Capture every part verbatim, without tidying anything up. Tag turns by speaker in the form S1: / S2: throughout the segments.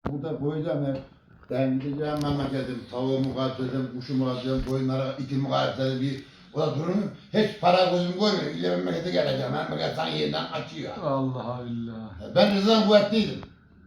S1: Burada koyacağım hep. Ben gideceğim memleketim, tavuğumu katledim, kuşumu katledim, koyunlara itimi katledim, bir o da durumu hiç para gözüm koymuyor. İle memlekete geleceğim, memleket sana yeniden açıyor.
S2: Allah billah.
S1: Ben Rıza'dan kuvvetliydim.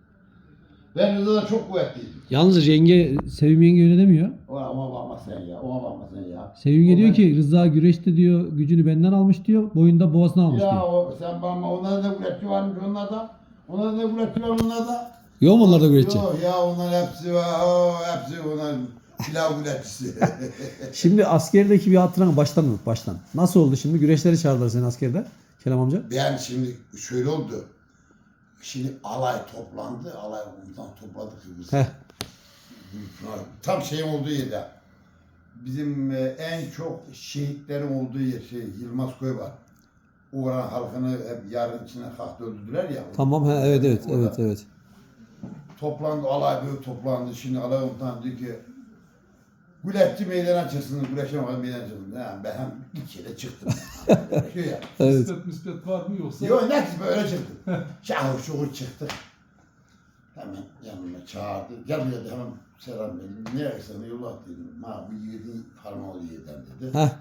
S1: Ben Rıza'dan çok kuvvetliydim.
S3: Yalnız yenge, Sevim yenge öyle demiyor.
S1: Ona, ona bakma sen ya, ona bakma sen ya.
S3: Sevim yenge
S1: O
S3: diyor
S1: ben-
S3: ki Rıza güreşte diyor gücünü benden almış diyor. Boyunda boğazına almış
S1: Ya
S3: diyor.
S1: o, sen bakma, onlarda da kuvvetli varmış onlarda. Onlarda da kuvvetli var onlarda.
S3: Yok mu onlar da güreşçi?
S1: Yok ya onların hepsi var, o, hepsi onlar pilav kuvvetçisi.
S3: Şimdi askerdeki bir hatıranı baştan unut baştan. Nasıl oldu şimdi? Güreşleri çağırdılar seni askerde. Kerem amca.
S1: Ben şimdi şöyle oldu. Şimdi alay toplandı, alay komutan topladık biz.
S3: Heh.
S1: Tam şeyin olduğu yerde. Bizim e, en çok şehitlerin olduğu yer, şey, Yılmaz Köy var. Oranın halkını hep yarın içine kalktı öldürdüler ya.
S3: Tamam ha evet evet
S1: Orada
S3: evet evet.
S1: Toplandı, alay böyle toplandı. Şimdi alay komutan diyor ki Güleççi meydana çıksın, Güleç'e meydana çıksın. Yani ben hem ilk kere çıktım. Şey ya.
S3: Evet.
S2: Nispet mispet var mı yoksa?
S1: Yok ne ki böyle çıktım. Şahır şuhur çıktık. Hemen yanıma çağırdı. Gel buraya de hemen selam verdim. Nereye sana yolu at dedim. Ma bu yiğidin parmağı yiğiden dedi.
S3: Heh.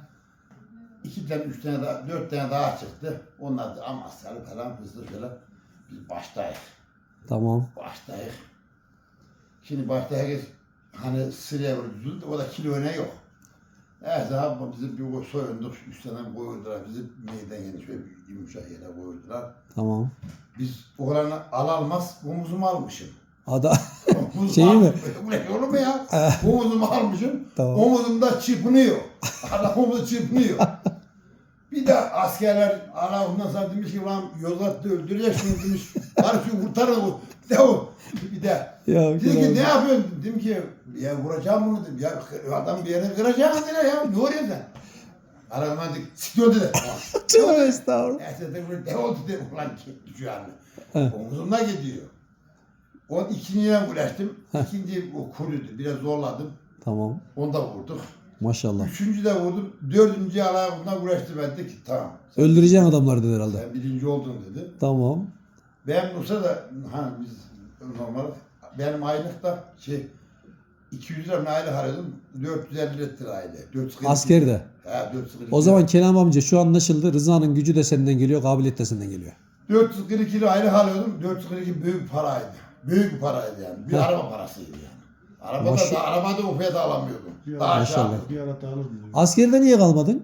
S1: İki tane, üç tane daha, dört tane daha çıktı. Onlar da Amasyalı falan hızlı şöyle. Biz baştayız.
S3: Tamam.
S1: Baştayız. Şimdi başta herkes hani sıraya vurdu. O da kilo öne yok. Neyse abi bizi bir soyunduk. Üç tane koydular. Bizi meydan yeni şöyle bir yumuşak yere koydular.
S3: Tamam.
S1: Biz oğlanı al almaz omuzumu almışım.
S3: Ada
S1: Omuzumu
S3: Şeyi mi?
S1: almışım. Bu ne olur mu ya? Omuzumu almışım.
S3: Tamam.
S1: Omuzumda çırpınıyor. Adam omuzu çırpınıyor. Bir de askerler ara ondan sonra demiş ki lan Yozgat'ta öldürecek şunu demiş. Bari şunu kurtarın bu. Bir de o. Bir de.
S3: ya
S1: Dedi ki
S3: Kerem.
S1: ne yapıyorsun? Dedim ki ya vuracağım bunu dedim. Ya adam bir yere kıracaksın dediler ya. Ne oluyor sen? Aradan dedik. Siktir dedi.
S3: Tövbe estağfurullah.
S1: Neyse de böyle dev oldu dedi. Ulan düşüyor anne.
S3: He.
S1: Omuzumda gidiyor. O ikinciye ulaştım. İkinci o kuruydu. Biraz zorladım.
S3: Tamam.
S1: Onu da vurduk.
S3: Maşallah.
S1: Üçüncü de vurdum. Dördüncü ayağımdan uğraştı ben dedi ki tamam. Sen,
S3: Öldüreceğin adamlar dedi herhalde.
S1: sen birinci oldun dedi.
S3: Tamam.
S1: Ben olsa da hani biz normal benim aylık da şey iki yüz lira aylık harcadım. dört yüz elli lira aylık. dört yüz kırk iki.
S3: Askerde.
S1: He dört yüz kırk iki.
S3: O zaman Kerem amca şu anlaşıldı. Rıza'nın gücü de senden geliyor, kabiliyet de senden geliyor.
S1: dört yüz kırk iki lira aylık alıyordum. dört yüz kırk iki büyük bir paraydı. Büyük bir paraydı yani. Bir
S3: Heh.
S1: araba parasıydı yani. Arabada
S3: Maşallah.
S1: da arabada o fiyata alamıyordum.
S2: Ya,
S1: Daha aşağı.
S3: maşallah.
S2: Bir ara alır mı?
S3: Askerde niye kalmadın?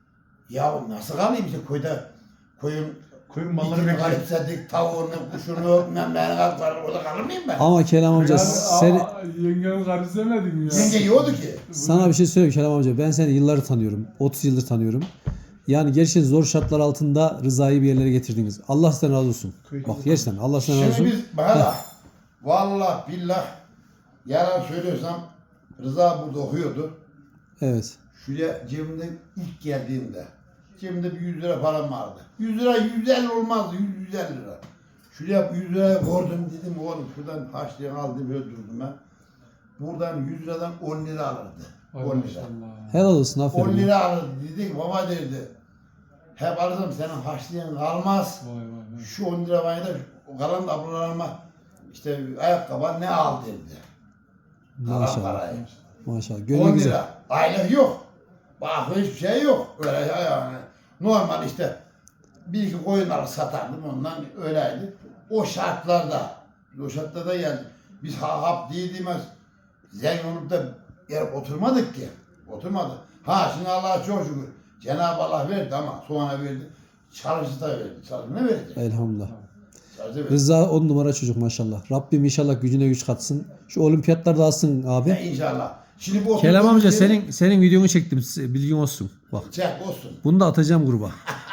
S1: Ya nasıl kalayım işte koyda koyun
S2: Koyun malları
S1: İtini
S2: bekliyor.
S1: garipsedik, tavuğunu, kuşunu, memleğini kalktılar. Orada kalır mıyım ben?
S3: Ama Kerem amca
S2: Yani,
S3: seni...
S2: aa, yengemi garipsemedin mi ya?
S1: Yenge yiyordu ki.
S3: Sana bir şey söyleyeyim Kerem amca. Ben seni yılları tanıyorum. otuz yıldır tanıyorum. Yani gerçekten zor şartlar altında Rıza'yı bir yerlere getirdiniz. Allah sizden razı olsun. Bak gerçekten Allah sizden razı
S1: Şimdi
S3: olsun.
S1: biz bana vallahi billah yalan söylüyorsam Rıza burada okuyordu.
S3: Evet.
S1: Şuraya cebimde ilk geldiğimde cebimde bir yüz lira param vardı. yüz lira yüz elli olmazdı. yüz yüz elli lira. Şuraya yüz liraya koydum dedim oğlum şuradan harçlayan aldım böyle durdum ben. Buradan yüz liradan on lira alırdı.
S2: Ay
S1: on lira.
S2: maşallah.
S3: Helal olsun aferin.
S1: on lira alırdı dedik baba derdi. Hep alırım senin harçlayan kalmaz.
S2: Vay vay vay.
S1: Şu on lira bana da o kalan da ablalarıma işte ayakkabı ne al dedi. Kalan
S3: Maşallah.
S1: parayı.
S3: Maşallah.
S1: on
S3: Gönlü güzel.
S1: lira. Aylık yok. Bak hiçbir şey yok. Öyle yani. Normal işte bir iki koyunları satardım ondan öyleydi. O şartlarda, o şartlarda yani biz ha hap değildiğimiz zengin olup da yer oturmadık ki. Oturmadık. Ha şimdi Allah'a çok şükür. Cenab-ı Allah verdi ama sonra verdi. Çalışı da verdi. Çalışı ne verdi?
S3: Elhamdülillah.
S1: Çalışı verdi.
S3: Rıza on numara çocuk maşallah. Rabbim inşallah gücüne güç katsın. Şu olimpiyatlarda alsın
S1: Ya
S3: abi.
S1: inşallah. Şimdi bu
S3: Kerem
S1: oturduğumuz
S3: amca
S1: yeri-
S3: senin senin videonu çektim. Bilgin olsun. Bak.
S1: Çek olsun.
S3: Bunu da atacağım gruba.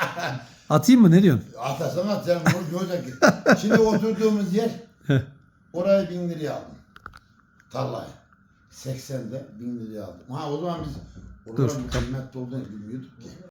S3: Atayım mı? Ne diyorsun?
S1: Atasana sen bunu görecek. Şimdi oturduğumuz yer orayı bin liraya aldım. Tarlayı. seksende bin liraya aldım. Ha o zaman biz
S3: Dur.
S1: oraların kıymetli olduğunu bilmiyorduk ki.